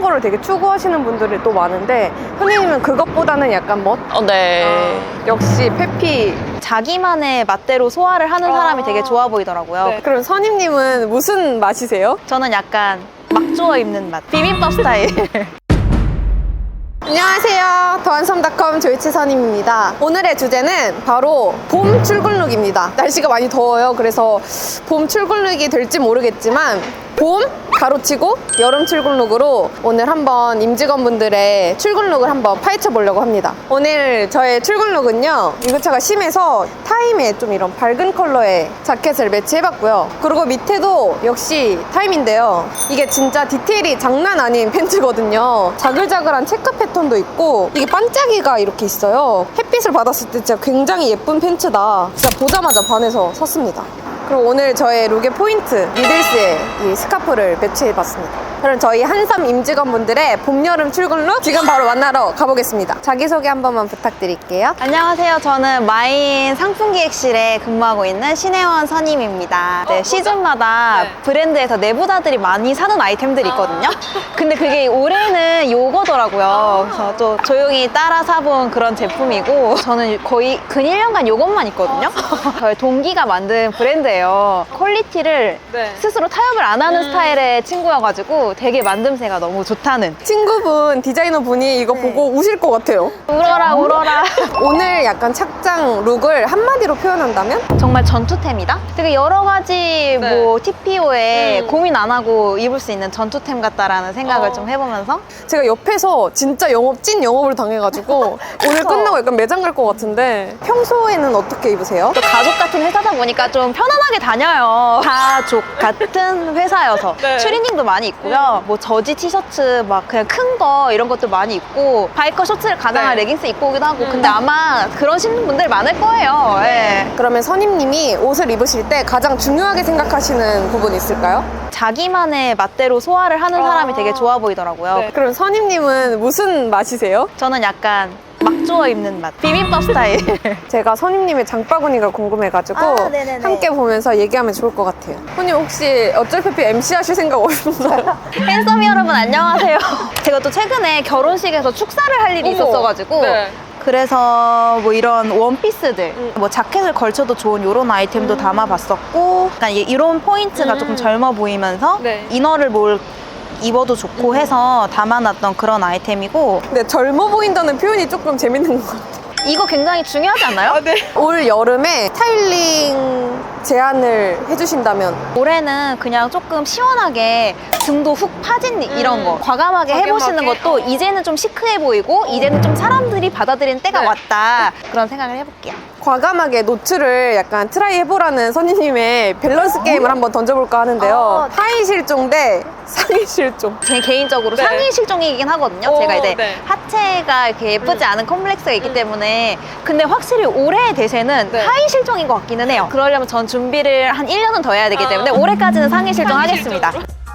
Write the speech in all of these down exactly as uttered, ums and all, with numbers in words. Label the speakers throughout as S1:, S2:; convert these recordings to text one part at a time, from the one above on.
S1: 편한 거를 되게 추구하시는 분들이 또 많은데 선생님은 그것보다는 약간 멋?
S2: 어, 네.
S1: 아, 역시 페피.
S2: 자기만의 맛대로 소화를 하는 사람이
S1: 아.
S2: 되게 좋아 보이더라고요.
S1: 네. 그럼 선임님은 무슨 맛이세요?
S2: 저는 약간 막 주워 입는 맛. 비빔밥 스타일.
S1: 안녕하세요. 더한섬닷컴 조이치 선임입니다. 오늘의 주제는 바로 봄 출근룩입니다. 날씨가 많이 더워요. 그래서 봄 출근룩이 될지 모르겠지만 봄 가로치고 여름 출근룩으로 오늘 한번 임직원분들의 출근룩을 한번 파헤쳐 보려고 합니다. 오늘 저의 출근룩은요, 유교차가 심해서 타임에 좀 이런 밝은 컬러의 자켓을 매치해봤고요. 그리고 밑에도 역시 타임인데요, 이게 진짜 디테일이 장난 아닌 팬츠거든요. 자글자글한 체크 패턴도 있고 이게 반짝이가 이렇게 있어요. 햇빛을 받았을 때 진짜 굉장히 예쁜 팬츠다. 진짜 보자마자 반해서 샀습니다. 그리고 오늘 저의 룩의 포인트, 니들스의 이 스카프를 매치해봤습니다. 그럼 저희 한섬 임직원분들의 봄, 여름 출근룩 지금 바로 만나러 가보겠습니다. 자기소개 한 번만 부탁드릴게요.
S2: 안녕하세요. 저는 마인 상품기획실에 근무하고 있는 신혜원 선임입니다. 네, 시즌마다
S1: 네.
S2: 브랜드에서 내부자들이 많이 사는 아이템들이 있거든요. 근데 그게 올해는 요거더라고요. 그래서 또 조용히 따라 사본 그런 제품이고, 저는 거의 근 일 년간 요것만 있거든요. 저희 동기가 만든 브랜드예요. 퀄리티를
S1: 네.
S2: 스스로 타협을 안 하는 스타일의 친구여가지고 되게 만듦새가 너무 좋다는.
S1: 친구분, 디자이너분이 이거 보고 우실 것 같아요.
S2: 울어라 울어라.
S1: 오늘 약간 착장 룩을 한마디로 표현한다면?
S2: 정말 전투템이다? 되게 여러 가지
S1: 네.
S2: 뭐 티피오에
S1: 음.
S2: 고민 안 하고 입을 수 있는 전투템 같다라는 생각을
S1: 어.
S2: 좀 해보면서
S1: 제가 옆에서 진짜 영업, 찐 영업을 당해가지고 오늘 끝나고 약간 매장 갈 것 같은데 평소에는 어떻게 입으세요?
S2: 또 가족 같은 회사다 보니까 좀 편안하게 다녀요. 가족 같은 회사여서
S1: 네.
S2: 추리닝도 많이 있고요. 뭐 저지 티셔츠 막 그냥 큰 거 이런 것도 많이 입고, 바이커 셔츠를 가장한
S1: 네.
S2: 레깅스 입고 오기도 하고. 근데 아마 그런 신는 분들 많을 거예요. 예.
S1: 그러면 선임님이 옷을 입으실 때 가장 중요하게 생각하시는 부분이 있을까요?
S2: 자기만의 맛대로 소화를 하는 사람이 되게 좋아 보이더라고요.
S1: 네. 그럼 선임님은 무슨 맛이세요?
S2: 저는 약간 막 주워 입는 맛. 비빔밥 스타일.
S1: 제가 선임님의 장바구니가 궁금해가지고
S2: 아, 네네네.
S1: 함께 보면서 얘기하면 좋을 것 같아요. 선임 혹시 어쩔 페피 엠씨 하실 생각 없나요?
S2: 팬서미 여러분 안녕하세요. 제가 또 최근에 결혼식에서 축사를 할 일이
S1: 어머.
S2: 있었어가지고
S1: 네.
S2: 그래서 뭐 이런 원피스들,
S1: 음.
S2: 뭐 자켓을 걸쳐도 좋은 이런 아이템도 담아봤었고, 약간 이- 이런 포인트가
S1: 음.
S2: 조금 젊어 보이면서
S1: 네.
S2: 이너를 뭘 입어도 좋고 해서 담아놨던 그런 아이템이고,
S1: 근데 젊어 보인다는 표현이 조금 재밌는 것 같아요.
S2: 이거 굉장히 중요하지 않나요?
S1: 올 여름에 스타일링 제안을 해주신다면
S2: 올해는 그냥 조금 시원하게 등도 훅 파진 이런 거 과감하게 해보시는
S1: 과감하게?
S2: 것도 이제는 좀 시크해 보이고 이제는 좀 사람들이 받아들이는 때가
S1: 네.
S2: 왔다, 그런 생각을 해볼게요.
S1: 과감하게 노출을 약간 트라이 해보라는 선임님의 밸런스 게임을 한번 던져볼까 하는데요.
S2: 어.
S1: 하의 실종 대 상의 실종.
S2: 제 개인적으로
S1: 네.
S2: 상의 실종이긴 하거든요.
S1: 오,
S2: 제가 이제
S1: 네.
S2: 하체가 이렇게 예쁘지 않은 컴플렉스가 있기
S1: 음.
S2: 때문에. 근데 확실히 올해의 대세는
S1: 네.
S2: 하의 실종인 것 같기는 해요. 그러려면 전 준비를 한 일 년은 더 해야 되기 때문에
S1: 아.
S2: 올해까지는 상의 실종
S1: 상의
S2: 하겠습니다.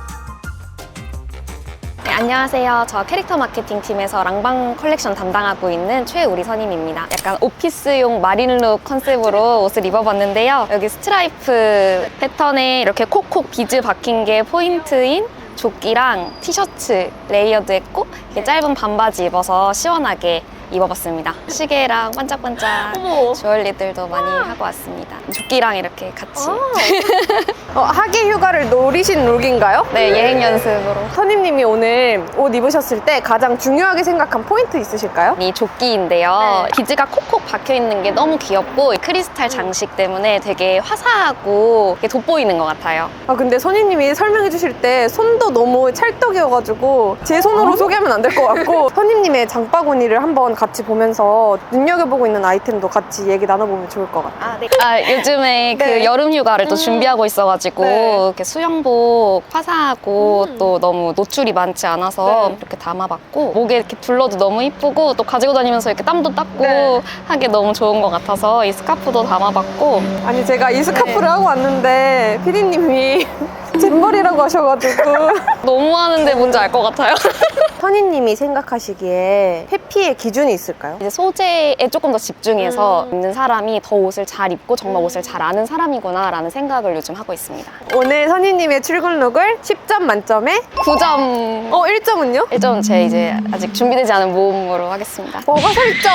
S3: 네, 안녕하세요. 저 캐릭터 마케팅 팀에서 랑방 컬렉션 담당하고 있는 최우리 선임입니다. 약간 오피스용 마린룩 컨셉으로 옷을 입어봤는데요. 여기 스트라이프 패턴에 이렇게 콕콕 비즈 박힌 게 포인트인 조끼랑 티셔츠 레이어드 했고, 이렇게 짧은 반바지 입어서 시원하게 입어봤습니다. 시계랑 반짝반짝
S1: 어머.
S3: 주얼리들도 많이 하고 왔습니다. 조끼랑 이렇게 같이.
S1: 어, 하계 휴가를 노리신 룩인가요?
S3: 네, 여행 연습으로.
S1: 선임님이 오늘 옷 입으셨을 때 가장 중요하게 생각한 포인트 있으실까요?
S3: 이 조끼인데요.
S1: 네.
S3: 비즈가 콕콕 박혀 있는 게 너무 귀엽고 크리스탈 장식 때문에 되게 화사하고 이렇게 돋보이는 것 같아요.
S1: 아 근데 선임님이 설명해 주실 때 손도 너무 찰떡이어가지고 제 손으로 소개하면 안 될 것 같고 선임님의 장바구니를 한번 같이 보면서 눈여겨보고 있는 아이템도 같이 얘기 나눠보면 좋을 것 같아요.
S2: 아, 네.
S3: 아, 요즘에 그
S1: 네.
S3: 여름 휴가를 또
S1: 음.
S3: 준비하고 있어가지고
S1: 네.
S3: 이렇게 수영복 화사하고
S1: 음.
S3: 또 너무 노출이 많지 않아서
S1: 네.
S3: 이렇게 담아봤고, 목에 이렇게 둘러도 너무 이쁘고 또 가지고 다니면서 이렇게 땀도 닦고
S1: 네.
S3: 하기 너무 좋은 것 같아서 이 스카프도 담아봤고.
S1: 아니 제가 이 스카프를
S3: 네.
S1: 하고 왔는데 피디님이 잼머리라고 하셔가지고
S3: 너무 하는데 뭔지 알 것 같아요.
S1: 선희님이 생각하시기에 페피의 기준이 있을까요?
S3: 이제 소재에 조금 더 집중해서
S1: 음.
S3: 입는 사람이 더 옷을 잘 입고 정말 옷을 잘 아는 사람이구나라는 생각을 요즘 하고 있습니다.
S1: 오늘 선희님의 출근 룩을 십 점 만점에
S3: 구 점.
S1: 어 일 점은요?
S3: 일 점은 제 이제 아직 준비되지 않은 모험으로 하겠습니다.
S1: 뭐가 설정?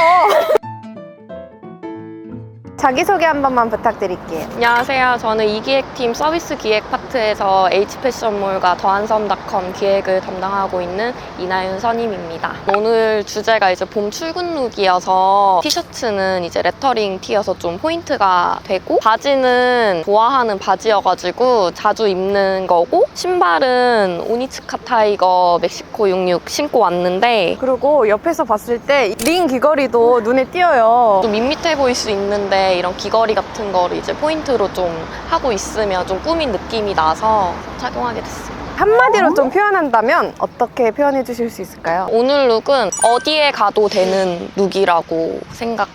S1: 자기소개 한 번만 부탁드릴게요.
S4: 안녕하세요. 저는 이기획팀 서비스 기획 파트에서 H패션몰과 더한섬닷컴 기획을 담당하고 있는 이나윤 선임입니다. 오늘 주제가 이제 봄 출근 룩이어서 티셔츠는 이제 레터링 티여서 좀 포인트가 되고 바지는 좋아하는 바지여가지고 자주 입는 거고 신발은 오니츠카 타이거 멕시코 육십육 신고 왔는데
S1: 그리고 옆에서 봤을 때 링 귀걸이도 눈에 띄어요.
S4: 좀 밋밋해 보일 수 있는데 이런 귀걸이 같은 거를 이제 포인트로 좀 하고 있으면 좀 꾸민 느낌이 나서 착용하게 됐어요.
S1: 한마디로 좀 표현한다면 어떻게 표현해 주실 수 있을까요?
S4: 오늘 룩은 어디에 가도 되는 룩이라고 생각해요.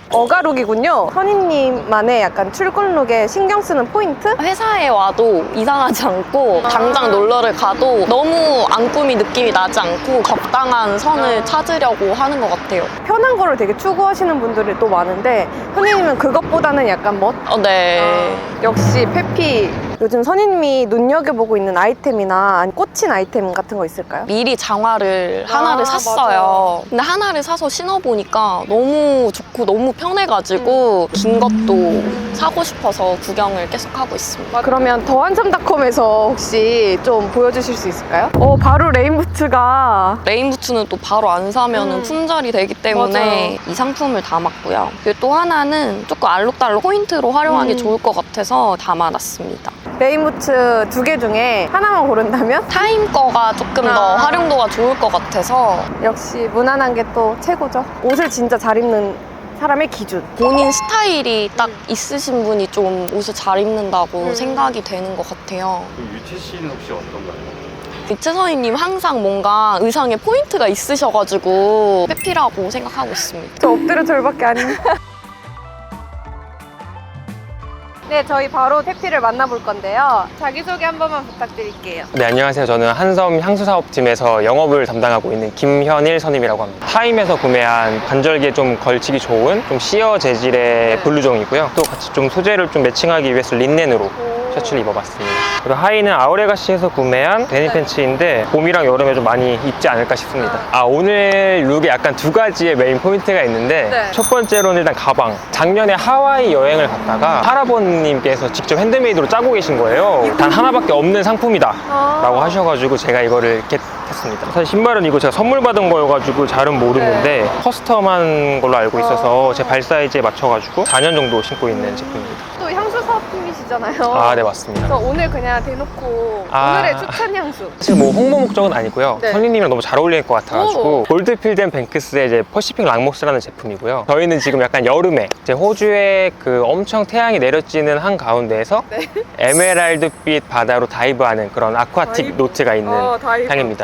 S1: 어가룩이군요. 선희님만의 약간 출근 룩에 신경 쓰는 포인트?
S4: 회사에 와도 이상하지 않고 당장 놀러를 가도 너무 안 꾸민 느낌이 나지 않고 적당한 선을 찾으려고 하는 것 같아요.
S1: 편한 거를 되게 추구하시는 분들이 또 많은데 선희님은 그것보다는 약간 멋?
S4: 어, 네.
S1: 역시 페피. 요즘 선희님이 눈여겨보고 있는 아이템이나 아니 꽂힌 아이템 같은 거 있을까요?
S4: 미리 장화를 하나를
S1: 아,
S4: 샀어요.
S1: 맞아요.
S4: 근데 하나를 사서 신어보니까 너무 좋고 너무 편해가지고 긴 것도 사고 싶어서 구경을 계속 하고 있습니다.
S1: 그러면 더한섬닷컴에서 혹시 좀 보여주실 수 있을까요? 어, 바로 레인부츠가
S4: 레인부츠는 또 바로 안 사면
S1: 음.
S4: 품절이 되기 때문에
S1: 맞아요.
S4: 이 상품을 담았고요. 그리고 또 하나는 조금 알록달록 포인트로 활용하기
S1: 음.
S4: 좋을 것 같아서 담아놨습니다.
S1: 레인부츠 두 개 중에 하나만 고른다면?
S4: 타임 거가 조금 더
S1: 아.
S4: 활용도가 좋을 것 같아서
S1: 역시 무난한 게 또 최고죠. 옷을 진짜 잘 입는 사람의 기준.
S4: 본인 스타일이 딱 있으신 분이 좀 옷을 잘 입는다고
S1: 음.
S4: 생각이 되는 것 같아요.
S5: 그럼 유채 씨는 혹시 어떤가요?
S4: 이채선이님 항상 뭔가 의상에 포인트가 있으셔가지고 페피라고 생각하고 있습니다.
S1: 저 엎드려 절밖에 안 입는. 네, 저희 바로 페피를 만나볼 건데요. 자기소개 한 번만 부탁드릴게요.
S6: 네, 안녕하세요. 저는 한섬 향수사업팀에서 영업을 담당하고 있는 김현일 선임이라고 합니다. 타임에서 구매한 관절기에 좀 걸치기 좋은 좀 시어 재질의 블루종이고요. 또 같이 좀 소재를 좀 매칭하기 위해서 린넨으로 셔츠를 입어봤습니다. 그리고 하의는 아우레가시에서 구매한 데님 팬츠인데 봄이랑 여름에 좀 많이 입지 않을까 싶습니다. 아, 오늘 룩에 약간 두 가지의 메인 포인트가 있는데
S1: 네.
S6: 첫 번째로는 일단 가방. 작년에 하와이 여행을 갔다가 할아버님께서 직접 핸드메이드로 짜고 계신 거예요. 단 하나밖에 없는 상품이다 라고 하셔가지고 제가 이거를 겟했습니다. 사실 신발은 이거 제가 선물 받은 거여가지고 잘은 모르는데 커스텀한 걸로 알고 있어서 제 발 사이즈에 맞춰가지고 사 년 정도 신고 있는 제품입니다.
S1: 또 향수 사업팀이시잖아요.
S6: 아, 네, 맞습니다.
S1: 그래서 오늘 그냥 대놓고
S6: 아.
S1: 오늘의 추천 향수.
S6: 사실 뭐 홍보 목적은 아니고요.
S1: 네.
S6: 선생님이랑 너무 잘 어울릴 것 같아가지고
S1: 오.
S6: 골드필드 앤 뱅크스의 이제 퍼시픽 락모스라는 제품이고요. 저희는 지금 약간 여름에 이제 호주에 그 엄청 태양이 내려지는 한 가운데에서
S1: 네.
S6: 에메랄드빛 바다로 다이브하는 그런 아쿠아틱
S1: 다이브.
S6: 노트가 있는
S1: 어, 다이브.
S6: 향입니다.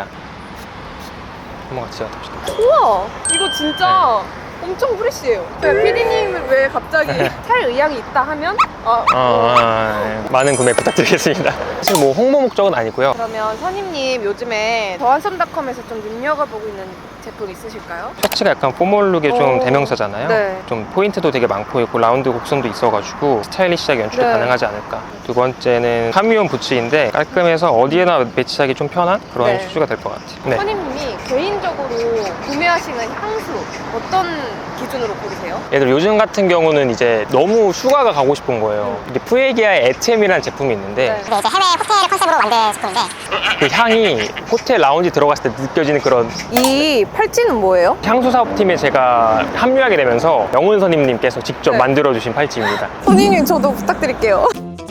S6: 한번 같이 맡아보실까요?
S1: 우와, 이거 진짜 엄청 프레쉬해요. 피디님은 왜 갑자기 살 의향이 있다 하면? 아,
S6: 어, 아, 네. 많은 구매 부탁드리겠습니다. 사실 뭐 홍보 목적은 아니고요.
S1: 그러면 선임님 요즘에 더한섬닷컴에서 좀 눈여겨보고 있는 제품 있으실까요?
S6: 셔츠가 약간 포멀룩의 좀
S1: 오.
S6: 대명사잖아요.
S1: 네.
S6: 좀 포인트도 되게 많고 있고 라운드 곡선도 있어가지고 스타일리시하게 연출이
S1: 네.
S6: 가능하지 않을까. 두 번째는 카미온 부츠인데 깔끔해서 어디에나 매치하기 좀 편한 그런
S1: 네.
S6: 슈즈가 될 것 같아요. 네.
S1: 선임님이 개인적으로 구매하시는 향수 어떤 기준으로 고르세요?
S6: 얘들 요즘 같은 경우는 이제 너무 휴가가 가고 싶은 거예요. 이게 푸에기아의 에티엠이라는 제품이 있는데
S1: 네.
S7: 이제 해외 호텔 컨셉으로 만든 제품인데
S6: 그 향이 호텔 라운지 들어갔을 때 느껴지는 그런
S1: 이 팔찌는 뭐예요?
S6: 향수 사업팀에 제가 합류하게 되면서 영훈 선임님께서 직접
S1: 네.
S6: 만들어주신 팔찌입니다.
S1: 선임님 저도 부탁드릴게요.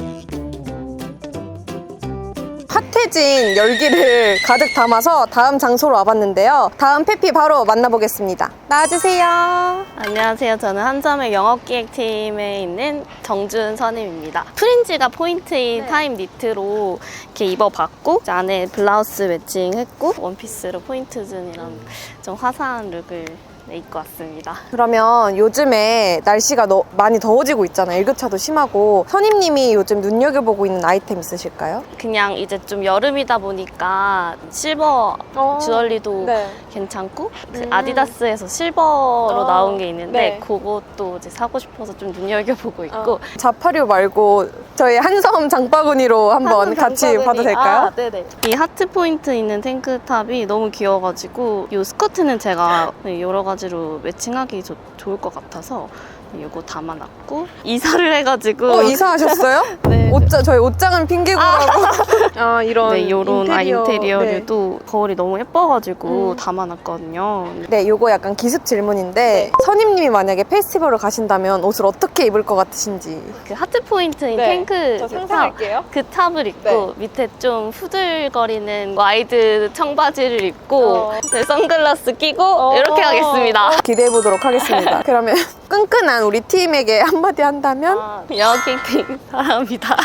S1: 핫해진 열기를 가득 담아서 다음 장소로 와봤는데요. 다음 페피 바로 만나보겠습니다. 나와주세요.
S8: 안녕하세요. 저는 한섬의 영업기획팀에 있는 정준 선임입니다. 프린지가 포인트인
S1: 네.
S8: 타임 니트로 이렇게 입어봤고 이제 안에 블라우스 매칭했고 원피스로 포인트 준 이런 좀 화사한 룩을 네, 입고 왔습니다.
S1: 그러면 요즘에 날씨가 너, 많이 더워지고 있잖아요. 일교차도 심하고. 선임님이 요즘 눈여겨보고 있는 아이템 있으실까요?
S8: 그냥 이제 좀 여름이다 보니까 실버 주얼리도
S1: 네.
S8: 괜찮고 그
S1: 음.
S8: 아디다스에서 실버로
S1: 어,
S8: 나온 게 있는데
S1: 네.
S8: 그것도 이제 사고 싶어서 좀 눈여겨보고 있고
S1: 어. 자파류 말고 저희 한섬 장바구니로 한번
S8: 한섬
S1: 같이
S8: 장바구니.
S1: 봐도 될까요?
S8: 아, 네네. 이 하트 포인트 있는 탱크탑이 너무 귀여워가지고 이 스커트는 제가 여러 가지로 매칭하기 좋- 좋을 것 같아서 이거 담아놨고 이사를 해가지고
S1: 어, 이사하셨어요?
S8: 네.
S1: 옷자, 저희 옷장은 핑계고라고. 아, 이런.
S8: 네, 요런 아,
S1: 인테리어.
S8: 인테리어류도 거울이 너무 예뻐가지고
S1: 음.
S8: 담아놨거든요.
S1: 네, 요거 약간 기습 질문인데 선임님이 만약에 페스티벌을 가신다면 옷을 어떻게 입을 것 같으신지.
S8: 그 하트 포인트인
S1: 네,
S8: 탱크
S1: 저
S8: 그 탑,
S1: 상상할게요.
S8: 그 탑을 입고
S1: 네.
S8: 밑에 좀 후들거리는 와이드 청바지를 입고
S1: 어.
S8: 네, 선글라스 끼고 이렇게 하겠습니다.
S1: 기대해 보도록 하겠습니다. 그러면 끈끈한 우리 팀에게 한마디 한다면?
S8: 영어킹팅 사랑합니다.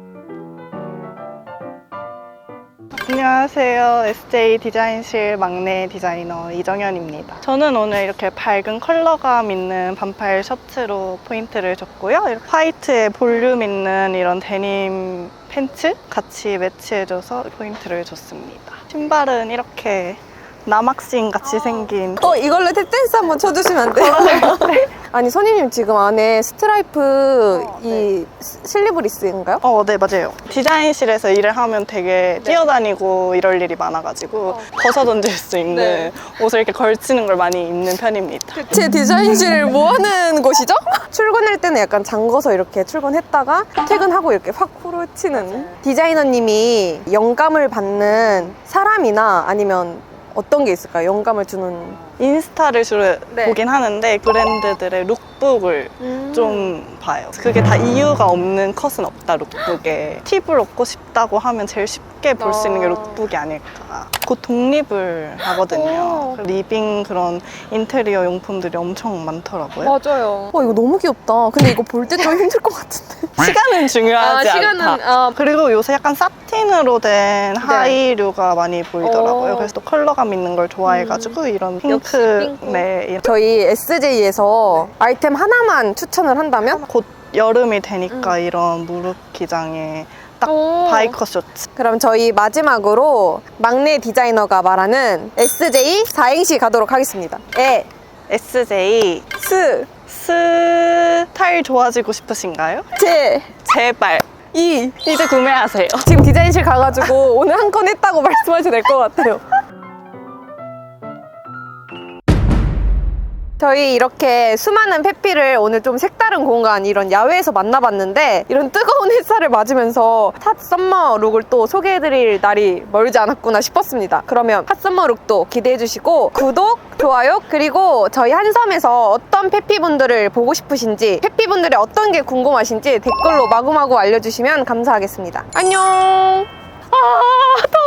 S9: 안녕하세요. 에스제이 디자인실 막내 디자이너 이정현입니다. 저는 오늘 이렇게 밝은 컬러감 있는 반팔 셔츠로 포인트를 줬고요. 이렇게 화이트에 볼륨 있는 이런 데님 팬츠 같이 매치해줘서 포인트를 줬습니다. 신발은 이렇게 남학생 같이 생긴
S1: 어, 이걸로 탭댄스 한번 쳐주시면 안 돼요? 아니, 선임님 지금 안에 스트라이프 이 스- 슬리브리스인가요?
S9: 어, 네, 맞아요. 디자인실에서 일을 하면 되게 뛰어다니고 이럴 일이 많아가지고 벗어던질 수 있는 옷을 이렇게 걸치는 걸 많이 입는 편입니다.
S1: 제 디자인실 뭐 하는 곳이죠? 출근할 때는 약간 잠궈서 이렇게 출근했다가 퇴근하고 이렇게 확 후려치는. 디자이너님이 영감을 받는 사람이나 아니면 어떤 게 있을까요? 영감을 주는.
S9: 인스타를 주로
S1: 네.
S9: 보긴 하는데 브랜드들의 룩북을
S1: 음.
S9: 좀 봐요. 그게 다 이유가 없는 컷은 없다, 룩북에. 팁을 얻고 싶다고 하면 제일 쉽게 볼 수 있는 게
S1: 어.
S9: 룩북이 아닐까. 곧 독립을 하거든요.
S1: 오.
S9: 리빙 그런 인테리어 용품들이 엄청 많더라고요.
S1: 맞아요. 와, 이거 너무 귀엽다. 근데 이거 볼 때 좀 힘들 것 같은데.
S9: 시간은 중요하지
S1: 아, 시간은,
S9: 않다.
S1: 아.
S9: 그리고 요새 약간 사틴으로 된 하이류가 많이 보이더라고요.
S1: 어.
S9: 그래서 또 컬러감 있는 걸 좋아해가지고 이런 핑크,
S1: 핑크.
S9: 네, 이런
S1: 저희 에스제이에서 아이템 하나만 추천을 한다면?
S9: 곧 여름이 되니까 이런 무릎 기장에 딱
S1: 오.
S9: 바이커 쇼츠.
S1: 그럼 저희 마지막으로 막내 디자이너가 말하는 에스제이 사행시 가도록 하겠습니다. 에,
S9: 에스제이
S1: 스,
S9: 스타일 좋아지고 싶으신가요?
S1: 제,
S9: 제발
S1: 이.
S9: 이제 구매하세요.
S1: 지금 디자인실 가가지고 오늘 한 건 했다고 말씀하셔도 될 것 같아요. 저희 이렇게 수많은 페피를 오늘 좀 색다른 공간 이런 야외에서 만나봤는데 이런 뜨거운 햇살을 맞으면서 핫 썸머 룩을 또 소개해드릴 날이 멀지 않았구나 싶었습니다. 그러면 핫 썸머 룩도 기대해주시고 구독, 좋아요 그리고 저희 한섬에서 어떤 페피분들을 보고 싶으신지 페피분들이 어떤 게 궁금하신지 댓글로 마구마구 알려주시면 감사하겠습니다. 안녕. 아,